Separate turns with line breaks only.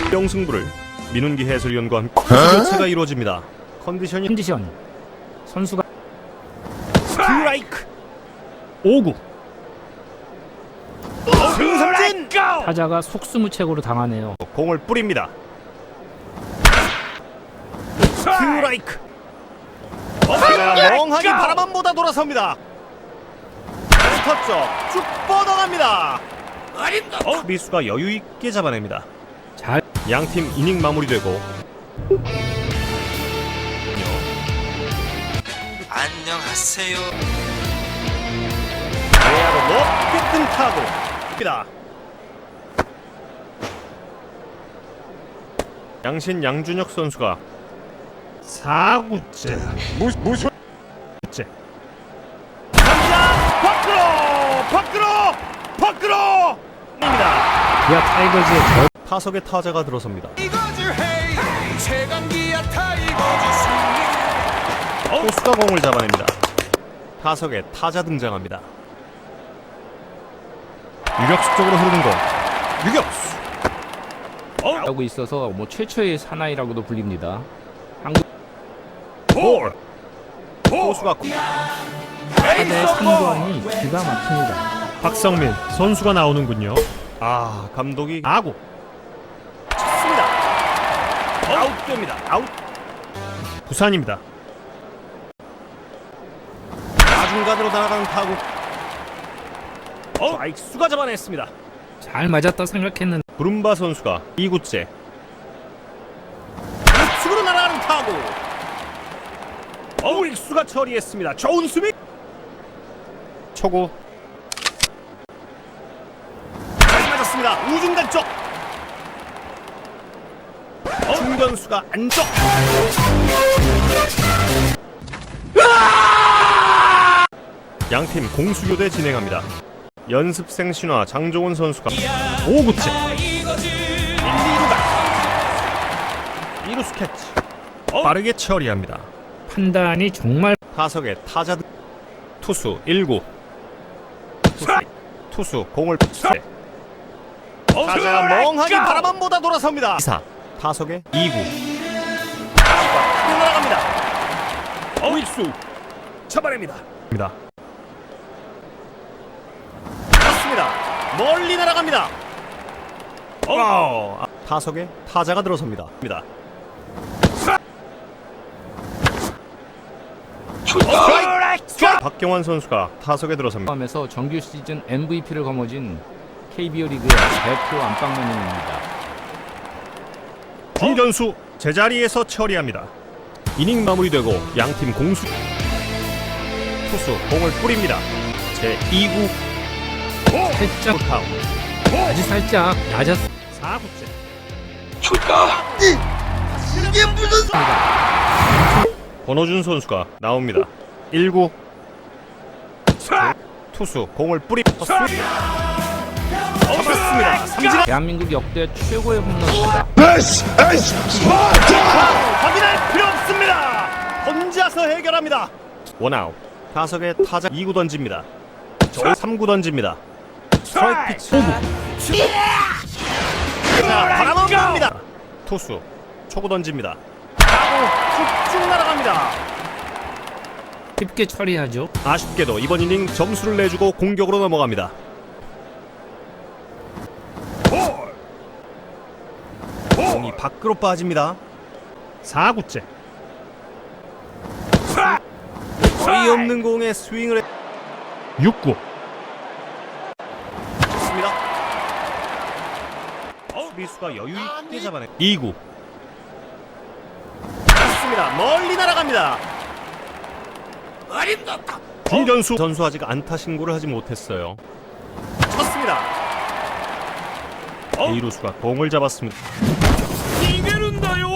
명승부를 민운기 해설위원과 함께 교체가 이루어집니다.
컨디션 선수가
스트라이크
5구
승삼진
타자가 속수무책으로 당하네요.
공을 뿌립니다. 스트라이크 타자가 멍하니 바라만 보다 돌아섭니다. 센터 쪽쭉 뻗어갑니다. 수비수가 여유 있게 잡아냅니다.
잘
양팀 이닝 마무리되고
안녕하세요.
내야로 높게 뜬 타구 입니다. 양신 양준혁 선수가 4구째 무슨 째 밖으로 입니다.
기아 타이거즈의
타석에 타자가 들어섭니다. 포수가 공을 잡아냅니다. 타석에 타자 등장합니다. 유격수 쪽으로 흐르는 공. 유격수.
하고 있어서 최초의 사나이라고도 불립니다. 한국
볼. 포수가
타자의 상관이 기가 막힙니다.
박성민 선수가 나오는군요. 아, 감독이 아구 쳤습니다. 아웃됩니다. 아웃. 부산입니다. 나중간으로 날아가는 타구. 좌익수가 잡아냈습니다.
잘 맞았다 생각했는데
구름바 선수가 2구째 우측으로 날아가는 타구. 우익수가 처리했습니다. 좋은 수비. 초구 잘 맞았습니다. 우중간 쪽. 중견수가 안쪽. 양팀 공수교대 진행합니다. 연습생 신화 장종원 선수가 5구째 1-2루가 2루 스캐치 빠르게 처리합니다.
판단이 정말
타석에 타자 투수 1구 투수 공을 세 타자가 멍하니 바라만 보다 돌아섭니다. 2사 타석에 2구 타구가 날아갑니다. 우익수 잡아냅니다. 멀리 날아갑니다. 타석에 타자가 들어섭니다. 박경환 선수가 타석에 들어섭니다.
포함해서 정규 시즌 MVP를 거머쥔 KBO 리그의 대표 안방맨입니다.
중견수 제자리에서 처리합니다. 이닝 마무리되고 양팀 공수 투수 공을 뿌립니다. 제 2구
살짝
카운트
아주 살짝 낮았
4구째
이게 무슨
권호준 선수가 나옵니다. 1구 투수 공을 잡았습니다. 삼진
대한민국 역대 최고의 홈런입니다.
확인할 필요 없습니다. 혼자서 해결합니다. 원아웃. 타석에 타자 2구 던집니다. 3구 던집니다. 스트라이크 피치 5구. 자, 바람은 봅니다. 투수 초구 던집니다. 타구 쭉쭉 날아갑니다.
쉽게 처리하죠.
아쉽게도 이번 이닝 점수를 내주고 공격으로 넘어갑니다. 공이 밖으로 빠집니다. 4구째 거의 없는 공에 스윙을 6구 좋습니다. 수비수가 여유 있게 잡아내 2구 좋습니다. 멀리 날아갑니다. 중견수 선수 아직 안타 신고를 하지 못했어요. 쳤습니다. 2루수가 공을 잡았습니다. 이게른다요.